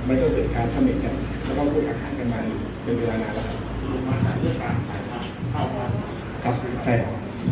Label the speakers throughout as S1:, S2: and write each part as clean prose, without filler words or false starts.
S1: มันก็เกิดการเขม่นกันแล้วก็พูดอาหารกันมาเป็นเวลานานแล้วครับ
S2: ลงมาจากเรื่องการถ่ายภาพเข้ามา
S1: ครับใช่ครับ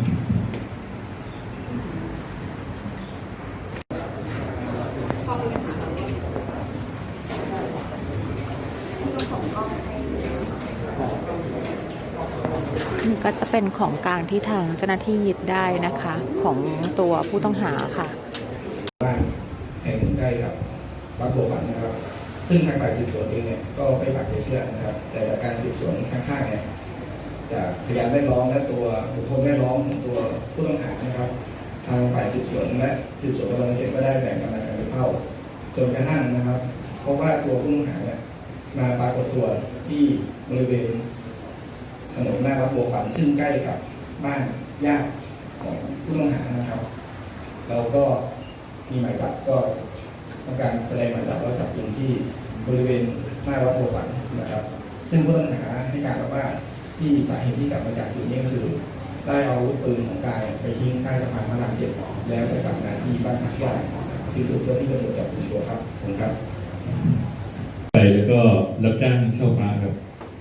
S3: นี่ก็จะเป็นของกลางที่ทางเจ้าหน้าที่ยึดได้นะคะของตัวผู้ต้องหาค่ะ
S1: บ้านแห่งหนึ่งใกล้กับวัดบัวขวัญนะครับซึ่งทางฝ่ายสืบสวนเองเนี่ยก็ไม่ปักใจเชื่อนะครับแต่จากการสืบสวนข้างๆเนี่ยจากพยานแวดล้อมและตัวบุคคลแวดล้อมของตัวผู้ต้องหานะครับทางฝ่ายสืบสวนและสืบสวนกำลังเสร็จก็ได้แบ่งกำลังกันไปเข้าจนกระทั่งนะครับเพราะว่าตัวผู้ต้องหาเนี่ยมาปรากฏตัวที่บริเวณถนนหน้าวัดบัวขวัญซึ่งใกล้กับบ้านญาติของผู้ต้องหานะครับเราก็มีหมายจับก็ทำการแสดงหมายจับแล้วจับกลุ่มที่บริเวณหน้าวัดบัวขวัญนะครับซึ่งผู้ต้องหาให้การว่าที่สาเหตุที่กลับมาจากจุดนี้ก็คือได้เอาอาวุธปืนของกายไปทิ้งใต้สะพานพระราม7แล้วจะกลับมาที่บ้านพักญาติคือถูกเจ้าที่ตำรวจจับกลุ่มตัวครับผมครับ
S4: ไปแล้วก็รับจ้างเช่าพระครับ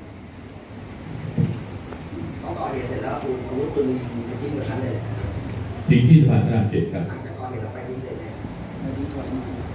S5: พอก่อเหตุเสร็จแล้วคุณอาวุธปืนยิงไปทิ้งแบบนั้นเลย
S4: ทิ้งที่สะพานพระราม7ครับ
S5: หลังจากก่อเหตุเราไปทิ้งเลย